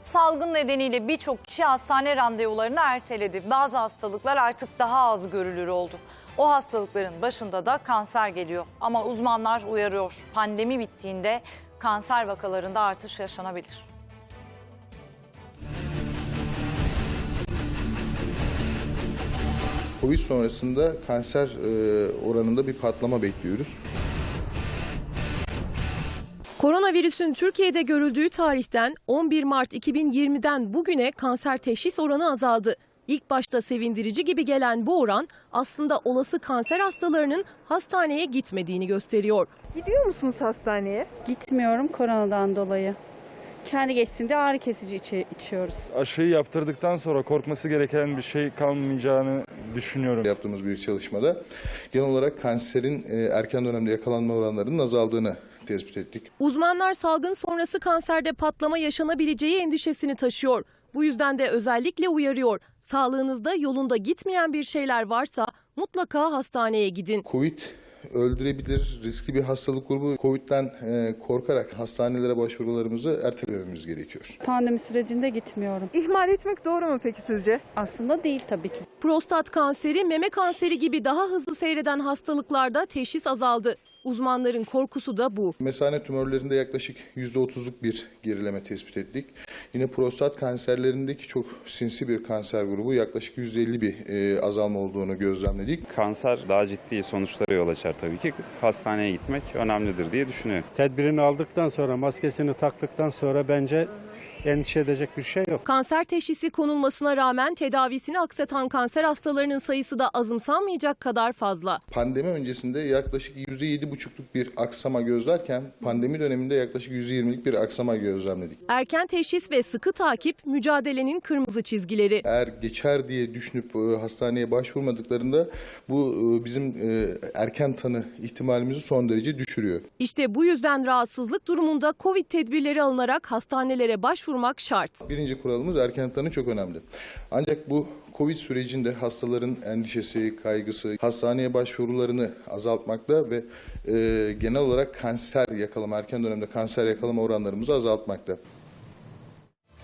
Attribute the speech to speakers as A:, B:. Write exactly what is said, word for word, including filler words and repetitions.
A: Salgın nedeniyle birçok kişi hastane randevularını erteledi. Bazı hastalıklar artık daha az görülür oldu. O hastalıkların başında da kanser geliyor. Ama uzmanlar uyarıyor. Pandemi bittiğinde kanser vakalarında artış yaşanabilir.
B: Covid sonrasında kanser oranında bir patlama bekliyoruz.
C: Koronavirüsün Türkiye'de görüldüğü tarihten on bir Mart iki bin yirmiden bugüne kanser teşhis oranı azaldı. İlk başta sevindirici gibi gelen bu oran aslında olası kanser hastalarının hastaneye gitmediğini gösteriyor.
D: Gidiyor musunuz hastaneye?
E: Gitmiyorum koronadan dolayı. Kendi geçtiğinde ağrı kesici içi, içiyoruz.
F: Aşıyı yaptırdıktan sonra korkması gereken bir şey kalmayacağını düşünüyorum.
B: Yaptığımız bir çalışmada genel olarak kanserin erken dönemde yakalanma oranlarının azaldığını tespit ettik.
C: Uzmanlar salgın sonrası kanserde patlama yaşanabileceği endişesini taşıyor. Bu yüzden de özellikle uyarıyor. Sağlığınızda yolunda gitmeyen bir şeyler varsa mutlaka hastaneye gidin.
B: Covid öldürebilir, riskli bir hastalık grubu. Covid'den korkarak hastanelere başvurularımızı ertelememiz gerekiyor.
E: Pandemi sürecinde gitmiyorum.
D: İhmal etmek doğru mu peki sizce?
E: Aslında değil tabii ki.
C: Prostat kanseri, meme kanseri gibi daha hızlı seyreden hastalıklarda teşhis azaldı. Uzmanların korkusu da bu.
B: Mesane tümörlerinde yaklaşık yüzde otuzluk bir gerileme tespit ettik. Yine prostat kanserlerindeki çok sinsi bir kanser grubu yaklaşık yüzde elli bir e, azalma olduğunu gözlemledik.
G: Kanser daha ciddi sonuçlara yol açar tabii ki. Hastaneye gitmek önemlidir diye düşünüyorum.
H: Tedbirini aldıktan sonra, maskesini taktıktan sonra bence endişe edecek bir şey yok.
C: Kanser teşhisi konulmasına rağmen tedavisini aksatan kanser hastalarının sayısı da azımsanmayacak kadar fazla.
B: Pandemi öncesinde yaklaşık yüzde yedi buçukluk bir aksama gözlerken pandemi döneminde yaklaşık yüzde yirmilik bir aksama gözlemledik.
C: Erken teşhis ve sıkı takip mücadelenin kırmızı çizgileri.
B: Eğer geçer diye düşünüp hastaneye başvurmadıklarında bu bizim erken tanı ihtimalimizi son derece düşürüyor.
C: İşte bu yüzden rahatsızlık durumunda Covid tedbirleri alınarak hastanelere başvurmak şart.
B: Birinci kuralımız erken tanı çok önemli. Ancak bu Covid sürecinde hastaların endişesi, kaygısı, hastaneye başvurularını azaltmakta ve e, genel olarak kanser yakalama, erken dönemde kanser yakalama oranlarımızı azaltmakta.